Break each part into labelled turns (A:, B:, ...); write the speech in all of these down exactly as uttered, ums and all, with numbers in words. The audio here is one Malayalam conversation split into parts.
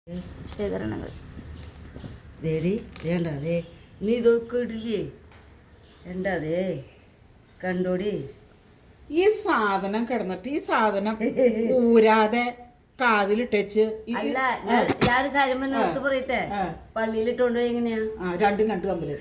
A: ശേഖരണങ്ങൾ
B: ദേടി വേണ്ടതേ നീ ഇതൊക്കെ ഇടില്ലേ വേണ്ടതേ കണ്ടോടി.
C: ഈ സാധനം കിടന്നിട്ട് ഈ സാധനം ഊരാതെ കാതിലിട്ടേച്ച്
B: അല്ല ഞാനൊരു കാര്യം പറഞ്ഞോട്ട് പറയട്ടെ, പള്ളിയിലിട്ടോണ്ട് പോയി എങ്ങനെയാ
C: രണ്ടും രണ്ട് തമ്മില്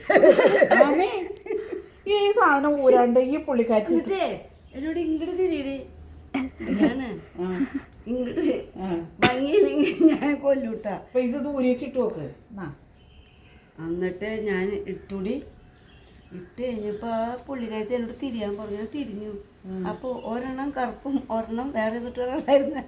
C: ഈ സാധനം ഊരാണ്ട് ഈ പുള്ളിക്കാറ്റ്
B: എന്നിട്ടേ എന്നോട് ഇങ്ങോട്ട് തിരിയടി, ഞാന് ഇങ്ങോട്ട് ഭംഗിയില്ലെങ്കിൽ ഞാൻ കൊല്ലൂട്ടാ.
C: അപ്പൊ ഇത് ഊരിച്ചിട്ട് നോക്ക്.
B: എന്നിട്ട് ഞാൻ ഇട്ടുടി ഇട്ട് കഴിഞ്ഞപ്പോൾ ആ പുള്ളിക്കാഴ്ച എന്നോട് തിരിയാൻ പറഞ്ഞു. തിരിഞ്ഞു. അപ്പോൾ ഒരെണ്ണം കറുപ്പും ഒരെണ്ണം വേറെ ഇതിട്ടുണ്ടായിരുന്ന.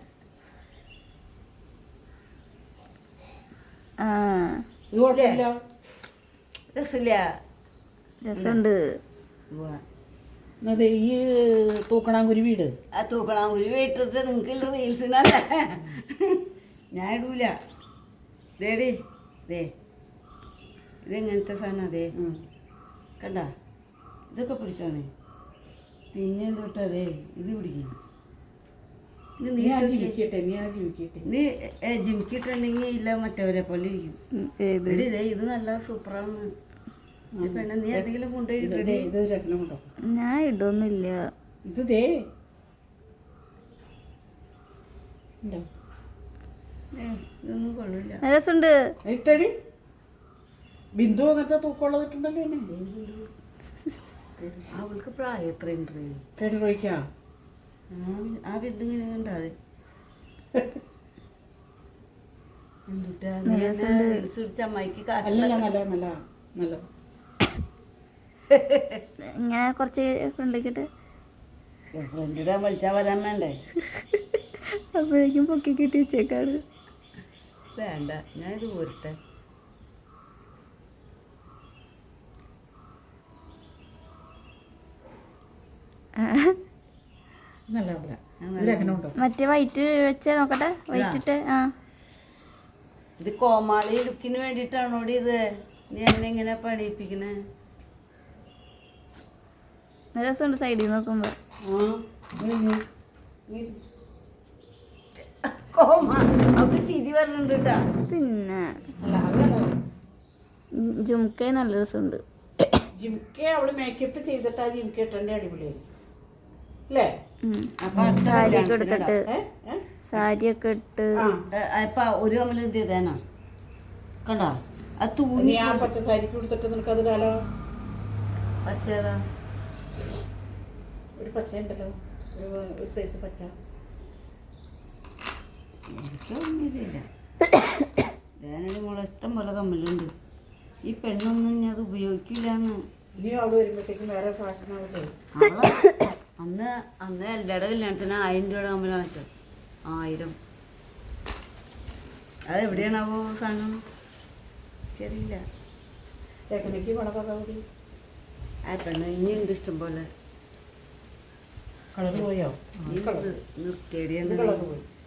B: രസമില്ല,
A: രസമുണ്ട്.
C: ഈ തൂക്കണാങ്കുരി വീട്
B: ആ തൂക്കണാങ്കുരി വീട്ടിട്ട് നിങ്ങൾക്ക് റീൽസിനല്ലേ ഞാൻ ഇടൂല. ദേടി ദേ ഇതെങ്ങനത്തെ സാധനം അതേ കണ്ട, ഇതൊക്കെ പിടിച്ചോന്നേ. പിന്നെ എന്തൊട്ട് അതേ ഇത് പിടിക്കും. നീ ജിമിക്കിട്ടുണ്ടെങ്കിൽ ഇല്ല മറ്റവരെ പോലെ ഇരിക്കും. എടി ഇതേ ഇത് നല്ല സൂപ്പറാണ് പെണ്ണ. നീ എന്തെങ്കിലും കൊണ്ടുപോയി
A: ഞാൻ ഇടൊന്നുമില്ല.
C: ഇത് ദേ
B: ഇതൊന്നും കൊള്ളില്ല.
A: രസമുണ്ട്.
C: ഇട്ടടി ബിന്ദു അങ്ങനത്തെ തൂക്കമുള്ളത് ഇട്ടുണ്ടല്ലോ.
B: അവൾക്ക് പ്രായം എത്രയുണ്ട്?
C: കേട്ടോയ്ക്കാ
B: ആ ബിന്ദു ഇങ്ങനെ കണ്ടാതെ അമ്മായിക്ക് കാശ്
A: ഇങ്ങനെ കുറച്ച് ഫ്രണ്ടിക്കിട്ട്
B: ഫ്രണ്ടിടാൻ വിളിച്ചാൽ വരാൻ വേണ്ടേ?
A: അപ്പോഴേക്കും പൊക്കി കിട്ടി വെച്ചേക്കാട്.
B: വേണ്ട, ഞാൻ ഇത് പോരട്ടെ.
A: മറ്റേ വൈറ്റ് വെച്ച നോക്കട്ടെ. വൈറ്റ് ഇട്ട് ആ
B: ഇത് കോമാളി ലുക്കിന് വേണ്ടിയിട്ടാണോടി ഇത്? നീ എന്നെ ഇങ്ങനെ പണിയിപ്പിക്കണേ?
A: രസമുണ്ട് സൈഡിൽ നോക്കുമ്പോ.
B: അവക്ക് ചിരി പറഞ്ഞിട്ടുണ്ട് കേട്ടാ.
A: പിന്നെ ജുംക്ക നല്ല രസമുണ്ട്.
C: ജിംക്കെ അവള് മേക്കപ്പ് ചെയ്തിട്ട് ആ ജിംക്കെ ഇട്ടേ അടിപൊളിയായി അല്ലേ?
A: സാരിയൊക്കെ എടുത്തിട്ട് സാരിയൊക്കെ ഇട്ട്
B: ഇപ്പൊ ഒരു കമ്മല് എന്ത് ചെയ്തേനാ കണ്ടോ? ആ തൂങ്ങി
C: ആ പച്ച സാരിക്ക് കൊടുത്തിട്ട് നിനക്ക് അതിലാലോ.
B: പച്ച ഏതാ?
C: ഒരു പച്ച ഉണ്ടല്ലോ, ഒരു സൈസ് പച്ച.
B: എനിക്കൊന്നുമില്ല. ഞാനൊരു മോളെ ഇഷ്ടം പോലെ കമ്മലുണ്ട്. ഈ പെണ്ണൊന്നും ഞാൻ അത് ഉപയോഗിക്കില്ലാന്ന്.
C: ഇനി അവിടെ വരുമ്പോഴത്തേക്കും വേറെ ഫാഷൻ ആവില്ലേ?
B: അന്ന് അന്ന് എല്ലാവരുടെ കല്യാണത്തിന് ആയിരം രൂപയുടെ കമ്മൽ വാങ്ങിച്ചത്. ആയിരം. അതെവിടെയാണാവോ സാധനം? ശരിയില്ല.
C: രേഖനയ്ക്ക് പണപ്പാകൂടി
B: ആ പെണ്ണ് ഇനി ഉണ്ട് ഇഷ്ടം പോലെ.
C: കളർ പോയോ?
B: നിർത്തിയടിയാണ്.
C: കളർ പോയി.